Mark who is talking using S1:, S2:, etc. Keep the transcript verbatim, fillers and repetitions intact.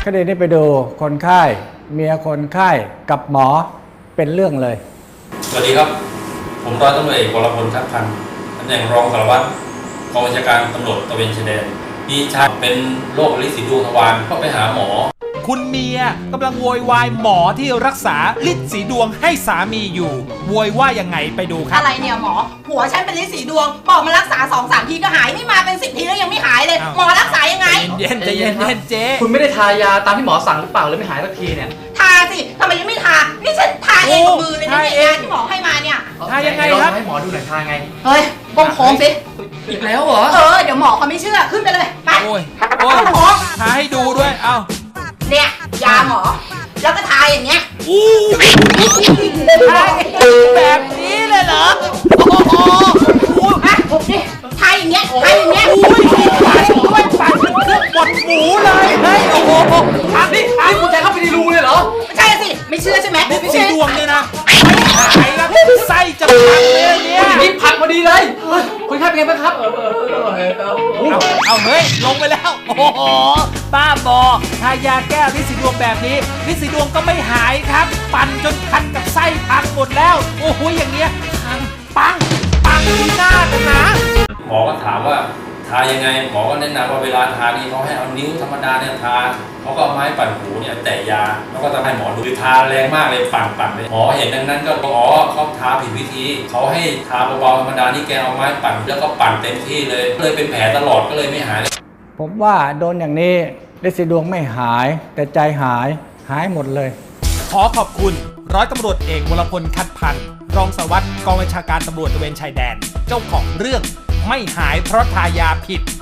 S1: คดีนี้ไปดูคนไข้เมียคนไข้กับหมอเป็นเรื่องเลย
S2: สวัสดีครับผมร้อยตำรวจเอกวรพลทัพพันธ์ตำแหน่งรองสารวัตรกองบัญชาการตำรวจตระเวนชายแดนมีชายเป็นโรคลิ้นสีดวงทวารก็ไปหาหมอ
S3: คุณเมียกำลังโวยวายหมอที่รักษาลิ้นสีดวงให้สามีอยู่โวยว่ายังไงไปดูครับ
S4: อะไรเนี่ยหมอผัวฉันเป็นลิ้นสีดวงบอกมารักษาสองสามทีก็หายนี่มาเป็นสิบทีแล้วยังไม่หายเลยหมอรักษายังไง
S3: เย็นใจเย็นเย็นเจ๊
S5: คุณไม่ได้ทายาตามที่หมอสั่งหรือเปล่าเลยไม่หายสักทีเนี่ย
S4: ทาสิทำไมยังไม่ทานี่ฉันทาเองกับมือเลยนะเนี่ยยาที่หมอให้มาเนี่ย
S3: ทายังไงครับ
S5: ให้หมอดูหน่อยทาไง
S4: เฮ้ยก้มโค้งสิ
S5: อีกแล้วเหรอ
S4: เออเดี๋ยวหมอเขาไม่เชื่อขึ้นไปเลยไป
S3: โอ้ยโอ้ยทาให้ดูด้วยเอ้า
S4: เนี่ยยาหมอแล้วก็ทาอย่างเงี้ย
S3: อู้ทาแบบนี้เลยเหรอโอ้โห
S4: อ่ะนี่ทาอย่างเงี้ยทาอย่างเงี้ย
S3: อุ้ยปาดด้วยปาดเป็นเครื่องบดหมูเลยเฮ้ยโอ้โห
S5: ทานี่นี่คุณใจเข้าไปในรูเลยเหรอ
S4: ไม่ใช่สิไม่เชื่อใช่ไหม
S3: ไม่ใช่ดวงเลยนะไอ้ละไส้จะพังเลยเนี่ย
S5: นี่พังพอดีเลยคุณไข้เป็นไงบ้างครับเออเออเออเออ
S3: เอาเฮ้ยลงไปแล้วโอ้โหบ้าบอทายาแก้ลิ้นสีดวงแบบนี้ลิ้นสีดวงก็ไม่หายครับปั่นจนคันกับไส้พังหมดแล้วโอ้โหอย่างเงี้ยพังปังปังที่หน้ากันนะ
S2: หมอก็ถามว่าทายังไงหมอก็แนะนำว่าเวลาทานี่เขาให้เอานิ้วธรรมดาเนี่ยทาเขาก็เอาไม้ปั่นหูเนี่ยแตะยาแล้วก็จะให้หมอดูทาแรงมากเลยปั่นปั่นเลยหมอเห็นดังนั้นก็อ๋อเขาทาผิดวิธีเขาให้ทาเบาๆธรรมดานี่แกเอาไม้ปั่นแล้วก็ปั่นเต็มที่เลยเลยเป็นแผลตลอดก็เลยไม่หาย
S1: ผมว่าโดนอย่างนี้ลิ้นสีดวงไม่หายแต่ใจหายหายหมดเลย
S3: ขอขอบคุณร้อยตำรวจเอกวรพลคัดพันธ์รองสารวัตรกองบัญชาการตำรวจตระเวนชายแดนเจ้าของเรื่องไม่หายเพราะทายาผิด